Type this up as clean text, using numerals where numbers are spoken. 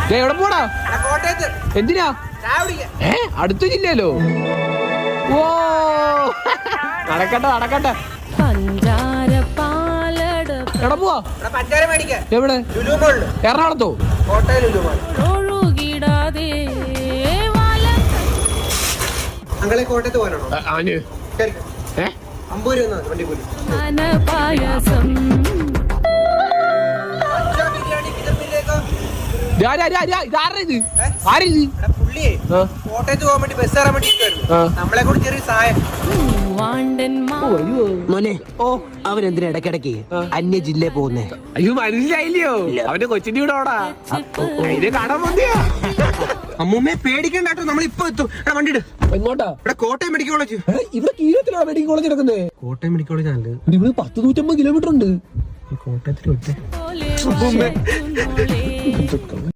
എവിടെ പോടാ? എന്തിനാ? അടുത്ത ജില്ലയിലോ? ഓ നടക്കട്ടെ നടക്കട്ടെ. എവിടെ പോവാ? എവിടെ? എറണാകുളത്തോ? കോട്ടയത്ത് പോകാനാണോ? 50 രൂപ വണ്ടി പോലും. കോട്ടയത്ത് പോകാൻ വേണ്ടി ബസ് കയറാൻ വേണ്ടി നമ്മളെ കൂടി ചെറിയ സഹായം. മോനെ, അവനെന്തിനാ ഇടയ്ക്കിടയ്ക്ക് അന്യ ജില്ലയിൽ പോകുന്നേ? അയ്യോ മനസ്സിലായില്ലയോ? അവന്റെ കൊച്ചിന്റെ കൂടെ ഓടാ. ഇത് കടം മതിയാ. അമ്മൂമ്മേ പേടിക്കണ്ടാട്ടോ, നമ്മൾ ഇപ്പൊ എത്തും. വണ്ടി ഇട്. എങ്ങോട്ടാ? ഇവിടെ കോട്ടയം മെഡിക്കൽ കോളേജ്. ഇവിടെ കീഴത്തിലാണ് മെഡിക്കൽ കോളേജ് കിടക്കുന്നത്. കോട്ടയം മെഡിക്കൽ കോളേജ് ആണ്. ഇവിടെ 100-150 കിലോമീറ്റർ ഉണ്ട്. കോട്ടയത്തിൽ